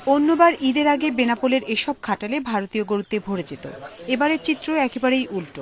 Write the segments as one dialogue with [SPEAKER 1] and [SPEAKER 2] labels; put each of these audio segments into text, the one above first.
[SPEAKER 1] অন্যবার ঈদের আগে বেনাপোলের এসব খাটালে ভারতীয় গরুতে ভরে যেত। এবারের চিত্র একেবারেই উল্টো।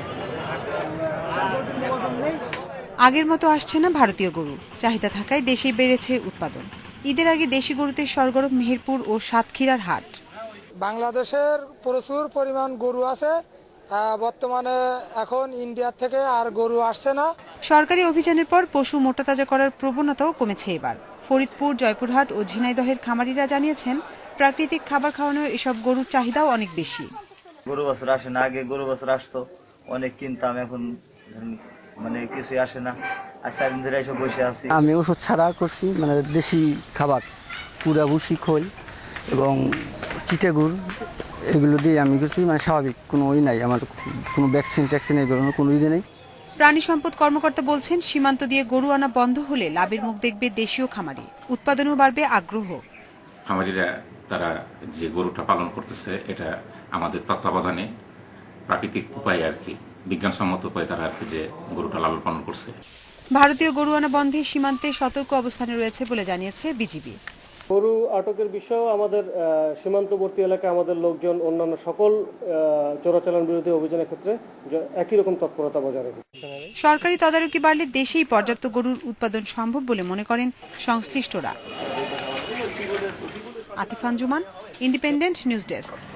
[SPEAKER 1] আগের মতো আসছে না ভারতীয় গরু, চাহিদা থাকায় দেশেই বেড়েছে উৎপাদন। ঈদের আগে দেশি গরুতে সরগরম মেহেরপুর ও সাতক্ষীরার হাট।
[SPEAKER 2] বাংলাদেশের প্রচুর পরিমাণ গরু আছে, বর্তমানে এখন ইন্ডিয়া থেকে আর গরু আসছে না।
[SPEAKER 1] সরকারি অভিযানের পর পশু মোটাতাজা করার প্রবণতাও কমেছে এবার। ফরিদপুর, জয়পুরহাট ও ঝিনাইদহের খামারিরা জানিয়েছেন, প্রাকৃতিক খাবার খাওয়ানোর এসব গরুর চাহিদাও অনেক বেশি।
[SPEAKER 3] গরু বছর আসে না, আগে গরু বছর আসতো, অনেক কিনতাম, এখন মানে কিছুই আসে না। আর 4 দিন ধরে এসে বসে আছি।
[SPEAKER 4] আমি ওষুধ ছাড়া করছি, মানে দেশি খাবার, পুরা ভুসি খোল এবং চিটে গুড়, এগুলো দিয়ে আমি করছি। মানে স্বাভাবিক কোনো নাই, আমার কোনো ভ্যাকসিন ট্যাকসিন এগুলো কোনো ইয়ে নেই।
[SPEAKER 1] প্রাণী সম্পদ কর্মকর্তা বলছেন, সীমান্ত দিয়ে গরু আনা বন্ধ হলে লাভের মুখ দেখবে দেশীয় খামারি, উৎপাদনও বাড়বে আগ্রহ।
[SPEAKER 5] খামারিরা তারা যে গরুটা পালন করতেছে, এটা আমাদের তত্ত্বাবধানে প্রাকৃতিক উপায়ে আর কি, বিজ্ঞানসম্মত উপায়ে তারা আর কি যে গরুটা লালন পালন করছে।
[SPEAKER 1] ভারতীয় গরু আনা বন্ধে সীমান্তে সতর্ক অবস্থানে রয়েছে বলে জানিয়েছে বিজিবি।
[SPEAKER 6] গরু আটকের বিষয়েও আমাদের সীমান্তবর্তী এলাকায় আমাদের লোকজন অন্যান্য সকল চোরাচালান বিরোধী অভিযানের ক্ষেত্রে একই রকম তৎপরতা বজায় রেখেছে।
[SPEAKER 1] সরকারি তদারকি বাড়লে দেশেই পর্যাপ্ত গরুর উৎপাদন সম্ভব বলে মনে করেন সংশ্লিষ্টরা। Atif Anjuman, independent news desk.